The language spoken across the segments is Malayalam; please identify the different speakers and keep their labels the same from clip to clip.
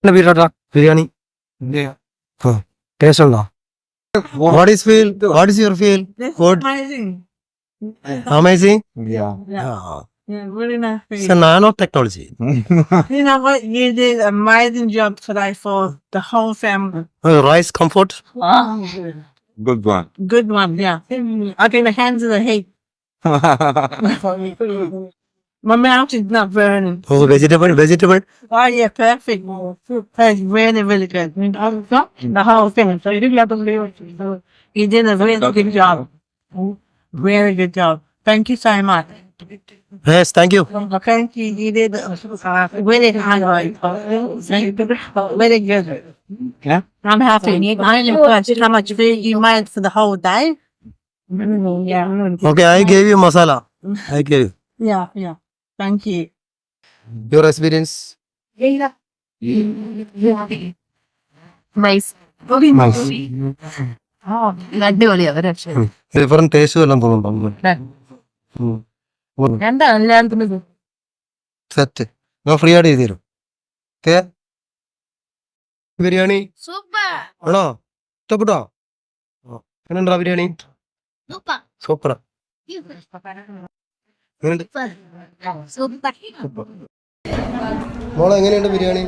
Speaker 1: ബിരിയാണി ടേസ്റ്റ് ഉണ്ടോ? What is feel? What is your feel? Good.
Speaker 2: Amazing.
Speaker 1: Amazing.
Speaker 2: Yeah. Yeah, really nice.
Speaker 1: It's a nanotechnology.
Speaker 2: You know what? You did an amazing job today for the whole family.
Speaker 1: Rice comfort.
Speaker 3: Good one.
Speaker 2: Good one, yeah. I think the hands of the heat. My mouth is not burning.
Speaker 1: Oh, vegetable.
Speaker 2: Oh yeah, perfect. That's really, really good. The whole thing. So you didn't have to leave it. So you did a really good job. Very good job. Thank you so much.
Speaker 1: Yes, thank you.
Speaker 2: Okay, you did really hard. Very good.
Speaker 3: Yeah.
Speaker 2: I'm happy. I'm impressed how much food you made for the whole day. Yeah.
Speaker 1: Okay, I gave you masala. I gave you.
Speaker 2: Yeah. Thank you.
Speaker 1: Your experience.
Speaker 4: Nice.
Speaker 1: Nice.
Speaker 4: അടിപൊളിയാ ഒരു രക്ഷയില്ല.
Speaker 1: Different taste എല്ലാം തോന്നുന്നു.
Speaker 4: എന്താ എല്ലാത്തിനും
Speaker 1: സെറ്റ് ഞാൻ ഫ്രീ ആയിട്ട് ചെയ്തു തരും. ഓക്കെ ബിരിയാണി
Speaker 4: സൂപ്പർ
Speaker 1: ആണോ? ഇഷ്ടപ്പെട്ടോ? എങ്ങനെയുണ്ടാ ബിരിയാണി? സൂപ്പർ. എങ്ങനെയുണ്ട് മോളെ? എങ്ങനെയുണ്ട് ബിരിയാണി?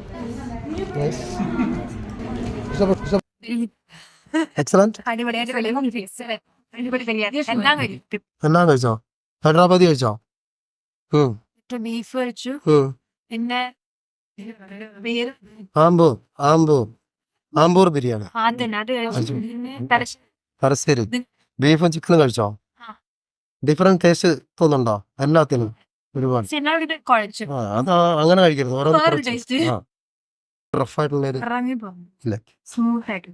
Speaker 1: എക്സലന്റ്. എല്ലാം കഴിച്ചോ? ഹൈദരാബാദി കഴിച്ചോ?
Speaker 4: ബീഫ് കഴിച്ചു. പിന്നെ
Speaker 1: ആമ്പൂർ ബിരിയാണി.
Speaker 4: അത് കഴിച്ചു. പിന്നെ
Speaker 1: തലശ്ശേരി ബീഫും ചിക്കനും കഴിച്ചോ? ഡിഫറെന്റ് ടേസ്റ്റ് തോന്നുന്നുണ്ടോ? എല്ലാത്തിനും ഒരുപാട്
Speaker 4: കുഴച്ചു.
Speaker 1: അത് അങ്ങനെ കഴിക്കരുത്.
Speaker 4: വേറൊരു taste.
Speaker 1: റഫായിട്ടുള്ളൊരു
Speaker 4: സ്മൂത്ത് ആയിട്ട്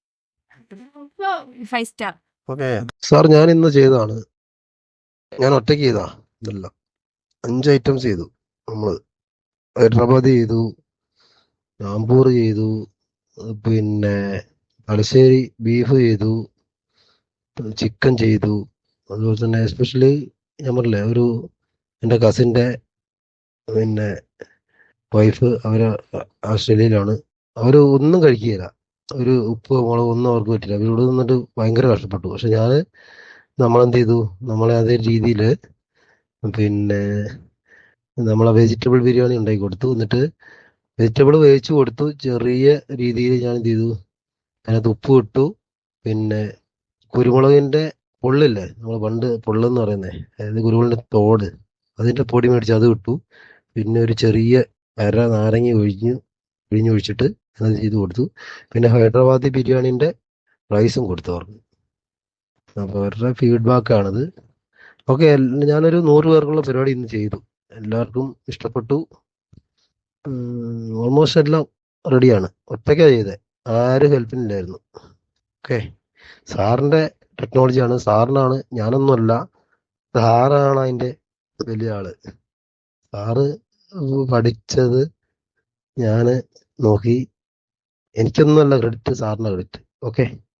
Speaker 4: 5 സ്റ്റാർ.
Speaker 1: ഓക്കെ സാർ, ഞാൻ ഇന്ന് ചെയ്തതാണ്. ഞാൻ ഒറ്റയ്ക്ക് ചെയ്താ ഇതല്ല. 5 ഐറ്റംസ് ചെയ്തു നമ്മള്. ഹൈദരാബാദ് ചെയ്തു, ആമ്പൂർ ചെയ്തു, പിന്നെ തലശ്ശേരി ബീഫ് ചെയ്തു, ചിക്കൻ ചെയ്തു. അതുപോലെ തന്നെ എസ്പെഷ്യലി ഞാൻ പറഞ്ഞില്ലേ, ഒരു എൻ്റെ കസിൻ്റെ പിന്നെ വൈഫ് അവര് ഓസ്ട്രേലിയയിലാണ്. അവർ ഒന്നും കഴിക്കുകയില്ല. ഒരു ഉപ്പ് മുളക് ഒന്നും അവർക്ക് പറ്റില്ല. അവരിവിടെ നിന്നിട്ട് ഭയങ്കര കഷ്ടപ്പെട്ടു. പക്ഷെ നമ്മളെന്ത് ചെയ്തു, നമ്മളെ അതേ രീതിയിൽ പിന്നെ നമ്മളെ വെജിറ്റബിൾ ബിരിയാണി ഉണ്ടാക്കി കൊടുത്തു. എന്നിട്ട് വെജിറ്റബിൾ വേവിച്ച് കൊടുത്തു. ചെറിയ രീതിയിൽ ഞാൻ എന്ത് ചെയ്തു, അതിനകത്ത് ഉപ്പ് ഇട്ടു. പിന്നെ കുരുമുളകിൻ്റെ പൊള്ളില്ലേ, നമ്മൾ പണ്ട് പൊള്ളെന്ന് പറയുന്നത്, അതായത് കുരുമുളകിൻ്റെ തോട്, അതിൻ്റെ പൊടി മേടിച്ച് അത് ഇട്ടു. പിന്നെ ഒരു ചെറിയ നാരങ്ങ പിഴിഞ്ഞൊഴിച്ചിട്ട് അത് ചെയ്ത് കൊടുത്തു. പിന്നെ ഹൈദരാബാദി ബിരിയാണിൻ്റെ റൈസും കൊടുത്തു അവർക്ക്. അപ്പോൾ അവരുടെ ഫീഡ്ബാക്കാണിത്. ഓക്കെ, ഞാനൊരു 100 പേർക്കുള്ള പരിപാടി ഇന്ന് ചെയ്തു. എല്ലാവർക്കും ഇഷ്ടപ്പെട്ടു. ഓൾമോസ്റ്റ് എല്ലാം റെഡിയാണ്. ഒറ്റയ്ക്കാണ് ചെയ്തത്, ആരും ഹെൽപ്പിനില്ലായിരുന്നു. ഓക്കെ, സാറിൻ്റെ ടെക്നോളജിയാണ്, സാറിനാണ്, ഞാനൊന്നുമല്ല. സാറാണ് അതിൻ്റെ വലിയ ആള്. സാറ് പഠിച്ചത് ഞാൻ നോക്കി. എനിക്കൊന്നുമല്ല ക്രെഡിറ്റ്, സാറിൻ്റെ ക്രെഡിറ്റ്. ഓക്കെ.